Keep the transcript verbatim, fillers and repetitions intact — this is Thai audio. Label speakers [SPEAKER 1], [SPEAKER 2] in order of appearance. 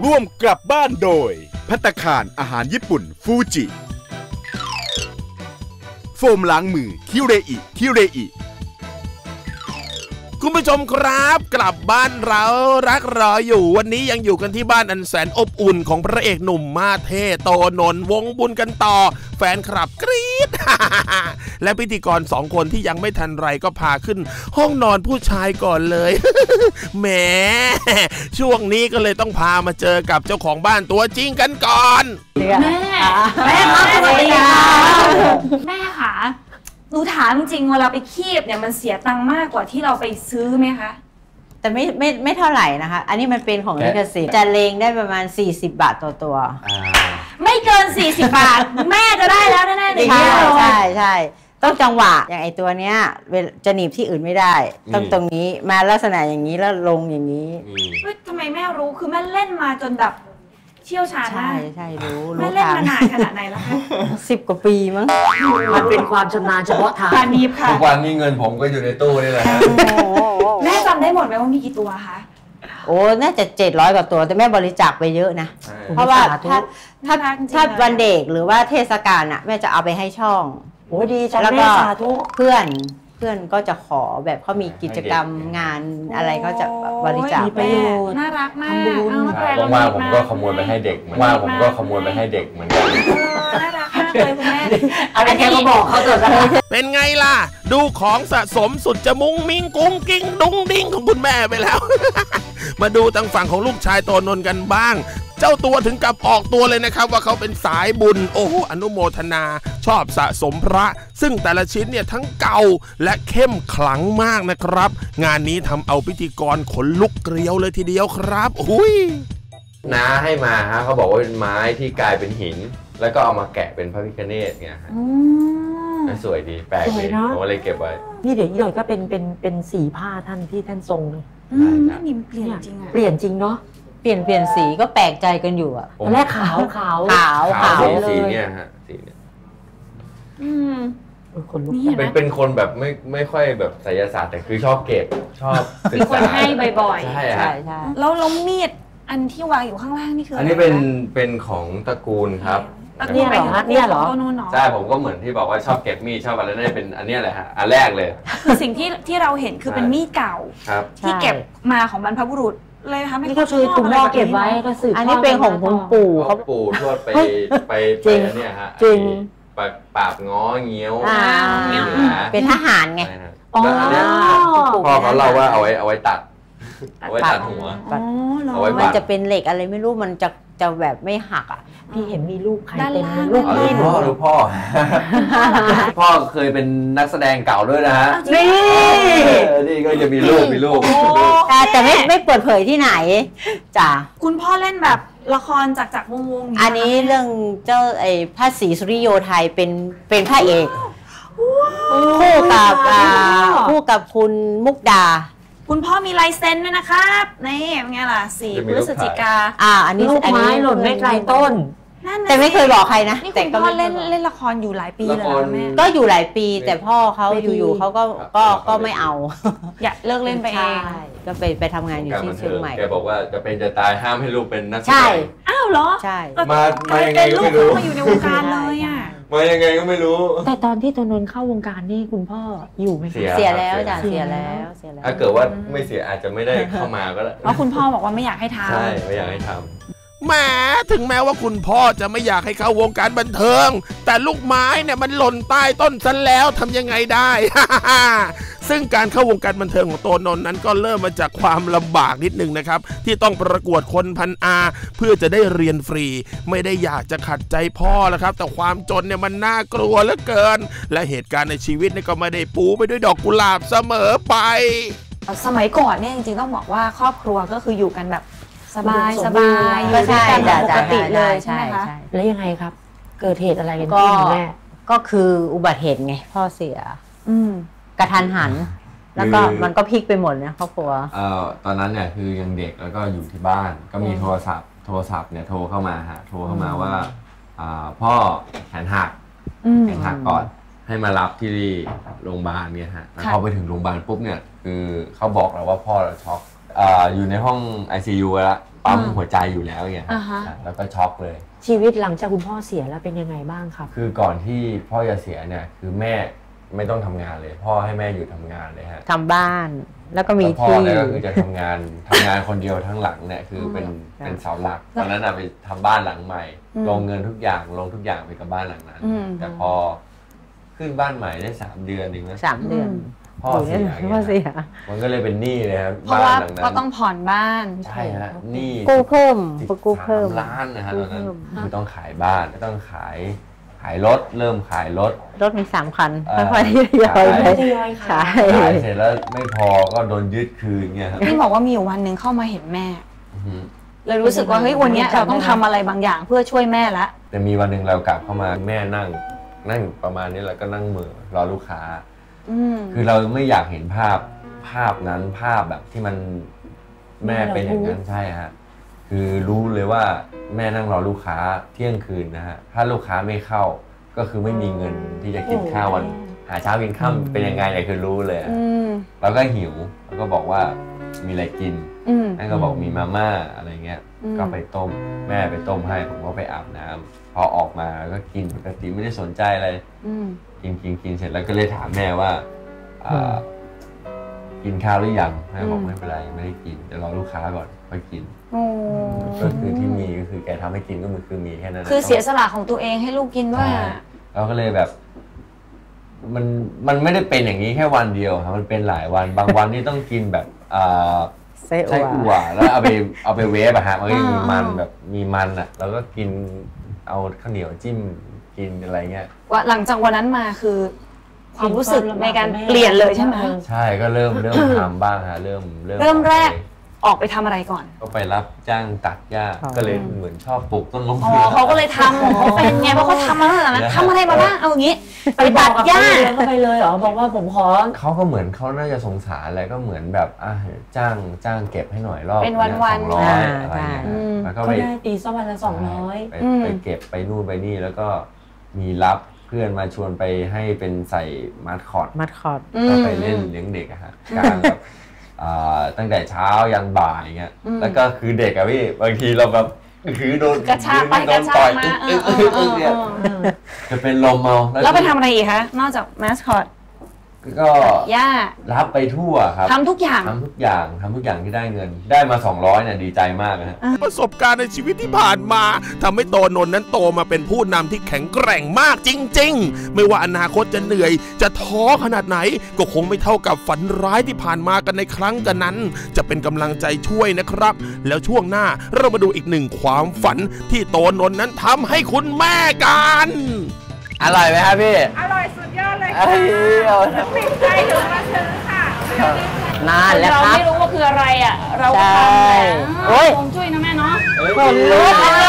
[SPEAKER 1] ร่วมกลับบ้านโดยภัตตาคารอาหารญี่ปุ่นฟูจิโฟมล้างมือคิเรอิคิเรอิคุณผู้ชมครับกลับบ้านเรารักรออยู่วันนี้ยังอยู่กันที่บ้านอันแสนอบอุ่นของพระเอกหนุ่มมาเท่โตนนท์วงบุญกันต่อแฟนคลับกรี๊ด และพิธีกรสองคนที่ยังไม่ทันไรก็พาขึ้นห้องนอนผู้ชายก่อนเลย แหมช่วงนี้ก็เลยต้องพามาเจอกับเจ้าของบ้านตัวจริงกันก่อน
[SPEAKER 2] แม่แม่ครับสวัสดีค่ะแม่ค่ะหนูถามจริงเวลาไปคีบเนี่ยมันเสียตังค์มากกว่าที่เราไปซื้อไหมคะ
[SPEAKER 3] แต่ไม่ไม่ไม่เท่าไหร่นะคะอันนี้มันเป็นของลิขสิทธิ์จะเลงได้ประมาณสี่สิบบาทต่อตัว
[SPEAKER 2] ไม่เกินสี่สิบบาทแม่จะได้แล้วแน่ๆเลย
[SPEAKER 3] ใช่ใช่ใช่ต้องจังหวะอย่างไอตัวเนี้ยจะหนีบที่อื่นไม่ได้ต้องตรงนี้มาลักษณะอย่างนี้แล้วลงอย่างนี้
[SPEAKER 2] เฮ้ยทำไมแม่รู้คือแม่เล่นมาจนแบบเชี่ยวชาญมาก
[SPEAKER 3] ใช่ใช่รู้
[SPEAKER 2] แม่เล่นมานานขนาดไหนแล้วคะ
[SPEAKER 3] สิบกว่าปีมั้ง
[SPEAKER 4] มันเป็นความชำนาญเฉพาะทาง
[SPEAKER 2] การนีบค่ะ
[SPEAKER 5] ทุกวันนี้เงินผมก็อยู่ในตู้นี่แหละ
[SPEAKER 2] แม่จำได้หมดไหมว่ามีกี่ตัวคะ
[SPEAKER 3] โอ้น่าจะเจ็ดร้อยกว่าตัวแต่แม่บริจาคไปเยอะนะเพราะว่าถ้าถ้าถ้าวันเด็กหรือว่าเทศกาลอ่ะแม่จะเอาไปให้ช่อง
[SPEAKER 4] โอ้ดีจัง
[SPEAKER 3] แล้วก็เพื่อนเพื่อนก็จะขอแบบเขามีกิจกรรมงานอะไรก็จะบริจาค
[SPEAKER 2] ไปน่ารักมาก
[SPEAKER 5] ว่างๆผมก็ขโมยไปให้เด็กว่างๆผมก็ขโมยไปให้เด็กเหมือนกัน
[SPEAKER 2] น่ารักมากเลยคุณแม่
[SPEAKER 4] อะไรแค่ก็บอกเขาเถอะ
[SPEAKER 1] เป็นไงล่ะดูของสะสมสุดจะมุ้งมิ้งกุ้งกิ้งดุ้งดิ้งของคุณแม่ไปแล้ว มาดูทางฝั่งของลูกชายโตนนท์กันบ้างเจ้าตัวถึงกับออกตัวเลยนะครับว่าเขาเป็นสายบุญโอ้โหอนุโมทนาชอบสะสมพระซึ่งแต่ละชิ้นเนี่ยทั้งเก่าและเข้มขลังมากนะครับงานนี้ทำเอาพิธีกรขนลุกเกลียวเลยทีเดียวครับอุ้ย
[SPEAKER 5] น้าให้มาฮะเขาบอกว่าเป็นไม้ที่กลายเป็นหินแล้วก็เอามาแกะเป็นพระพิฆเนศไงฮะสวยดีแปลกดีผมก็เลยเก็บไว้
[SPEAKER 4] นี่เดี๋ยวอีกหน่อยก็เป็นเป็นเป็นสีผ้าท่านที่ท่านทรงเลย
[SPEAKER 2] นี่เปลี่ยนจริงอะ
[SPEAKER 4] เปลี่ยนจริงเนาะ
[SPEAKER 3] เปลี่ยนเปลี่ยนสีก็แปลกใจกันอยู่อะ
[SPEAKER 4] ตอนแรกขาวขาว
[SPEAKER 3] ขาวขาว
[SPEAKER 5] เลยสีเนี่ยฮะสีเนี่ย
[SPEAKER 2] อืม
[SPEAKER 4] คนลุก
[SPEAKER 5] เป็นเป็นคนแบบไม่ไม่ค่อยแบบไสยศาสตร์แต่คือชอบเก็บชอบ
[SPEAKER 2] มีคนให้บ่อย
[SPEAKER 5] ๆใช่
[SPEAKER 3] ใช่
[SPEAKER 5] ใช่
[SPEAKER 2] แล้วล้มมีดอันที่วางอยู่ข้างล่างนี่คือ
[SPEAKER 5] อันนี้เป็นเป็นของตระกูลครับ
[SPEAKER 2] เนี่ยเหรอเนี่ยเหรอ
[SPEAKER 5] ใช่ผมก็เหมือนที่บอกว่าชอบเก็บมีดชอบอะไรนั่นเป็นอันนี้แหละฮะอันแรกเลย
[SPEAKER 2] คือสิ่งที่ที่เราเห็นคือเป็นมีดเก่าที่เก็บมาของบรรพบุรุษเลยค่ะ
[SPEAKER 4] นี่ก็คือคุณพ่อเก็บไว้ก็สืบ
[SPEAKER 3] อันนี้เป็นของคุณปู่
[SPEAKER 5] เขาปู่ทวดไปไปไปเนี่ยฮะ
[SPEAKER 4] จริง
[SPEAKER 5] ปราบง้อเงี้ยว
[SPEAKER 3] เป็นทหารไง
[SPEAKER 5] แล้วอันนี้พ่อเขาเล่าว่าเอาไว้เอาไว้ตัดเอาไว้ตัดหัว
[SPEAKER 3] เอาไว้มันจะเป็นเหล็กอะไรไม่รู้มันจะจะแบบไม่หักอ่ะ
[SPEAKER 4] พี่เห็นมีลูกใครเต็มเลย
[SPEAKER 5] ลูกพ่อลูกพ่อพ่อเคยเป็นนักแสดงเก่าด้วยนะฮะ
[SPEAKER 3] นี่
[SPEAKER 5] นี่ก็จะมีลูกมีลูก
[SPEAKER 3] แต่แต่ไม่ไม่เปิดเผยที่ไหนจ้ะ
[SPEAKER 2] คุณพ่อเล่นแบบละครจากจากวงวง
[SPEAKER 3] อันนี้เรื่องเจ้าไอ้พระศรีสุริโยไทยเป็นเป็นพระเอกคู่กับคู่กับคุณมุกดา
[SPEAKER 2] คุณพ่อมีลายเซ็นด้วยนะครับนี่เป็นไงล่ะสี่พฤศจิกา
[SPEAKER 3] อ่าอันนี้
[SPEAKER 4] ลูกไม้หล่นไม่ไกลต้น
[SPEAKER 3] แต่ไม่เคยบอกใครนะ
[SPEAKER 2] แต่คุณพ่อเล่นเล่นละครอยู่หลายปีเลยแม่
[SPEAKER 3] ก็อยู่หลายปีแต่พ่อเขาอยู่ๆเขาก็ก็ก็ไม่เอา
[SPEAKER 2] อยากเลิกเล่นไปเอง
[SPEAKER 3] ก็ไปไปทำงานอยู่ที่เชียงใหม่
[SPEAKER 5] แกบอกว่าจะเป็นจะตายห้ามให้ลูกเป็นนักแสดง
[SPEAKER 3] ใช่
[SPEAKER 2] อ้าวเหรอ
[SPEAKER 3] ใช่
[SPEAKER 5] มามายังไงก็ไม่รู้
[SPEAKER 2] มาอยู่ในวงการเลยอ่ะ
[SPEAKER 5] มายังไงก็ไม่รู้
[SPEAKER 4] แต่ตอนที่โตนนท์เข้าวงการนี่คุณพ่ออยู่ไหม
[SPEAKER 3] เสียแล้วจ้ะเสียแล้วเสียแล้ว
[SPEAKER 5] ถ้าเกิดว่าไม่เสียอาจจะไม่ได้เข้ามาก็ได้
[SPEAKER 2] เพราะคุณพ่อบอกว่าไม่อยากให้ทำ
[SPEAKER 5] ใช่ไม่อยากให้ทำ
[SPEAKER 1] แหมถึงแม้ว่าคุณพ่อจะไม่อยากให้เข้าวงการบันเทิงแต่ลูกไม้เนี่ยมันหล่นใต้ต้นซะแล้วทำยังไงได้ ซึ่งการเข้าวงการบันเทิงของโตนนท์นั้นก็เริ่มมาจากความลำบากนิดนึงนะครับที่ต้องประกวดคนพันอาเพื่อจะได้เรียนฟรีไม่ได้อยากจะขัดใจพ่อแล้วครับแต่ความจนเนี่ยมันน่ากลัวเหลือเกินและเหตุการณ์ในชีวิตเนี่ยก็ไม่ได้ปูไปด้วยดอกกุหลาบเสมอไป
[SPEAKER 2] สมัยก่อนเนี่ยจริงๆต้องบอกว่าครอบครัวก็คืออยู่กันแบบสบายสบาย
[SPEAKER 3] ก็ใช่
[SPEAKER 2] ปกติเลยใช่ไหมคะ
[SPEAKER 4] แล้วยังไงครับเกิดเหตุอะไรกันขึ้นแม่
[SPEAKER 3] ก็คืออุบัติเหตุไงพ่อเสียกระทันหันแล้วก็มันก็พลิกไปหมดนะครอบครัว
[SPEAKER 5] เอ่อตอนนั้นเนี่ยคือยังเด็กแล้วก็อยู่ที่บ้านก็มีโทรศัพท์โทรศัพท์เนี่ยโทรเข้ามาฮะโทรเข้ามาว่าพ่อแขนหักแขนหักก่อนให้มารับที่โรงพยาบาลเนี่ยฮะพอไปถึงโรงพยาบาลปุ๊บเนี่ยคือเขาบอกเราว่าพ่อเราช็อกอยู่ในห้อง ไอ ซี ยู แล้วปั๊มหัวใจอยู่แล้วไง
[SPEAKER 2] อ่าฮะ
[SPEAKER 5] แล้วก็ช็อกเลย
[SPEAKER 4] ชีวิตหลังจากคุณพ่อเสียแล้วเป็นยังไงบ้างครับ
[SPEAKER 5] คือก่อนที่พ่อจะเสียเนี่ยคือแม่ไม่ต้องทำงานเลย พ่อให้แม่อยู่ทำงานเลยฮะ
[SPEAKER 3] ทำบ้านแล้วก็มี
[SPEAKER 5] แล้วพ่อ
[SPEAKER 3] ที่
[SPEAKER 5] เนี่ยก็คือจะทำงานทำงานคนเดียวทั้งหลังเนี่ยคือเป็นเป็นเสาหลักตอนนั้นอะไปทำบ้านหลังใหม่ ลงเงินทุกอย่างลงทุกอย่างไปกับบ้านหลังนั้น แต่พอขึ้นบ้านใหม่ได้สามเดือนเองนะ
[SPEAKER 3] สามเดือน
[SPEAKER 5] พ่อเสีย
[SPEAKER 3] พ่อเสีย
[SPEAKER 5] มันก็เลยเป็นหนี้เลยครับ
[SPEAKER 2] เพราะ
[SPEAKER 5] บ้าน
[SPEAKER 2] ว่า
[SPEAKER 5] หลังนั้น
[SPEAKER 2] ก็ต้องผ่อนบ้าน
[SPEAKER 5] ใช่ฮะหนี้
[SPEAKER 3] กู้เพิ่ม
[SPEAKER 5] สิบ
[SPEAKER 3] กู้เพิ่ม
[SPEAKER 5] สามล้านนะฮะตอนนั้น
[SPEAKER 3] กู้เพิ่ม
[SPEAKER 5] คือต้องขายบ้านต้องขายขายรถเริ่มขายรถ
[SPEAKER 3] รถมีสามคัน
[SPEAKER 5] เอ่อ
[SPEAKER 3] ค่อยๆทยอยไป
[SPEAKER 4] ทยอยขาย
[SPEAKER 3] ใช่
[SPEAKER 5] ขายเสร็จแล้วไม่พอก็โดนยึดคืนเงี้ยครับ
[SPEAKER 2] ที่บอกว่ามีอยู่วันหนึ่งเข้ามาเห็นแม่
[SPEAKER 5] อือฮึ
[SPEAKER 2] เลยรู้สึกว่าเฮ้ยวันเนี้ยเราต้องทำอะไรบางอย่างเพื่อช่วยแม่ละ
[SPEAKER 5] แต่มีวันหนึ่งเรากลับเข้ามาแม่นั่งนั่งประมาณนี้แล้วก็นั่งเหมือรอลูกค้า
[SPEAKER 2] อืม
[SPEAKER 5] คือเราไม่อยากเห็นภาพภาพนั้นภาพแบบที่มันแม่เป็นอย่างนั้นใช่ฮะคือรู้เลยว่าแม่นั่งรอลูกค้าเที่ยงคืนนะฮะถ้าลูกค้าไม่เข้าก็คือไม่มีเงินที่จะกินข้าววันหาเช้ากินค่ำเป็นยังไงเนี่ยคือรู้เลยอะ
[SPEAKER 2] อืม
[SPEAKER 5] แล้วก็หิวแล้วก็บอกว่ามีอะไรกิน
[SPEAKER 2] อืม
[SPEAKER 5] นั่นก็บอกมีมาม่าอะไรเงี้ย
[SPEAKER 2] อืม
[SPEAKER 5] ก็ไปต้มแม่ไปต้มให้ผมก็ไปอาบน้ำพอออกมาก็กินปกติไม่ได้สนใจอะไร
[SPEAKER 2] อืม
[SPEAKER 5] กินกินกินเสร็จแล้วก็เลยถามแม่ว่าอ่ากินข้าวหรือยังแม่บอกไม่เป็นไรไม่ได้กินเดี๋ยวรอลูกค้าก่อนค่อยกิน
[SPEAKER 2] โอ้
[SPEAKER 5] ก็คือที่มีก็คือแกทำให้กินก็มันคือมีแค่นั้นนะ
[SPEAKER 2] คือเสียสละของตัวเองให้ลูกกินด้วย
[SPEAKER 5] ใช่
[SPEAKER 2] อะ
[SPEAKER 5] เราก็เลยแบบ มันมันไม่ได้เป็นอย่างนี้แค่วันเดียวครับมันเป็นหลายวัน บางวันนี่ต้องกินแบบอ่า
[SPEAKER 3] ไส้
[SPEAKER 5] ไส้
[SPEAKER 3] อั่
[SPEAKER 5] อั่
[SPEAKER 3] ว
[SPEAKER 5] วแล้วเอาไปเอาไปเวฟอะฮะมันก็ยังมีมันแบบมีมันอะแล้วก็กินเอาข้าวเหนียวจิ้มกินอะไรเงี้ย
[SPEAKER 2] ว่าหลังจากวันนั้นมาคือ ความรู้สึกในการเปลี่ยนเลยใช่ไหม
[SPEAKER 5] ใช่ก็เริ่มเริ่มทำบ้างฮะเริ่มเริ่ม
[SPEAKER 2] เริ่มแรก
[SPEAKER 5] ออไป
[SPEAKER 2] ออกไปทำอะไรก่อน
[SPEAKER 5] ก็ไปรับจ้างตัดหญ้า
[SPEAKER 3] อ๋อ
[SPEAKER 5] ก็เลยเหมือนชอบปลูกต้นมะ
[SPEAKER 2] อ๋อ
[SPEAKER 5] เขือ
[SPEAKER 2] เขาก็เลยทำของเขาเป็นไงเพราะเขาทำมาตั้งแต่นั้นทำอะไรมาบ้างเอาอย่างนี้ไปตัดหญ้า
[SPEAKER 4] ก็ไปเลยเหรอบอกว่าผมขอ
[SPEAKER 5] เขาก็เหมือนเขาน่าจะสงสารอะไรก็เหมือนแบบอ่ะจ้างจ้างเก็บให้หน่อยรอบ
[SPEAKER 2] เป็นวันๆ
[SPEAKER 5] สองร้อย
[SPEAKER 3] อ่า
[SPEAKER 5] อะไรเงี้ย
[SPEAKER 2] อืม
[SPEAKER 5] แล้วก็
[SPEAKER 4] ก็
[SPEAKER 5] ไป
[SPEAKER 4] ได้ตีสักวันละสองร้อย
[SPEAKER 5] ไป
[SPEAKER 2] อืม
[SPEAKER 5] ไปเก็บไปนู่นไปนี่แล้วก็มีรับเพื่อนมาชวนไปให้เป็นใส่มาสคอต
[SPEAKER 3] มัดคอร์ด
[SPEAKER 5] ก็ไปเล่นเลี้ยงเด็กอะฮะการแบบอ่าตั้งแต่เช้ายันบ่ายเงี้ยแล้วก็คือเด็กอะพี่บางทีเราแบบคือโดน
[SPEAKER 2] กระชากไป
[SPEAKER 5] โด
[SPEAKER 2] กระ
[SPEAKER 5] น
[SPEAKER 2] ชา
[SPEAKER 5] ต่
[SPEAKER 2] ก
[SPEAKER 5] อย
[SPEAKER 2] มา
[SPEAKER 5] อึ๊ก
[SPEAKER 2] เอ
[SPEAKER 5] อึ๊
[SPEAKER 2] อก เอ
[SPEAKER 5] อึ๊
[SPEAKER 2] อก เอ
[SPEAKER 5] เนี่ย
[SPEAKER 2] อ
[SPEAKER 5] จะเป็นลมเอา
[SPEAKER 2] แล้วไปทำอะไรอีกคะนอกจากมาสคอต
[SPEAKER 5] ก็
[SPEAKER 2] หญ้า
[SPEAKER 5] รับไปทั่วครับ
[SPEAKER 2] ทำทุกอย่าง
[SPEAKER 5] ทำทุกอย่างทำทุกอย่างที่ได้เงิน ได้มาสองร้อยเนี่ยดีใจมากนะฮะ
[SPEAKER 1] ประสบการณ์ในชีวิตที่ผ่านมาทำให้โตนนท์นั้นโตมาเป็นผู้นำที่แข็งแกร่งมากจริงๆ ไม่ว่าอนาคตจะเหนื่อย จะท้อขนาดไหน ก็คงไม่เท่ากับฝันร้ายที่ผ่านมากันในครั้งกันนั้น จะเป็นกำลังใจช่วยนะครับ แล้วช่วงหน้าเรามาดูอีกหนึ่งความฝันที่โตนนท์นั้นทำให้คุณแม่กัน
[SPEAKER 5] อร่อยไหมครับพี่
[SPEAKER 6] อร่อยสุดยอดเลย
[SPEAKER 5] เอ้
[SPEAKER 6] ค่ะ
[SPEAKER 5] ย
[SPEAKER 6] ติดใจถึงมาซื้อค่ะ
[SPEAKER 3] นานแล้ว
[SPEAKER 2] เรา
[SPEAKER 3] ครับ
[SPEAKER 2] ไม่รู้ว่าคืออะไรอ่ะ เราก็ทำ
[SPEAKER 3] ใช่
[SPEAKER 2] แหละ
[SPEAKER 3] โอ้ย
[SPEAKER 2] คงช่วยนะแม่เนาะ
[SPEAKER 3] ขนลุกอ่ะ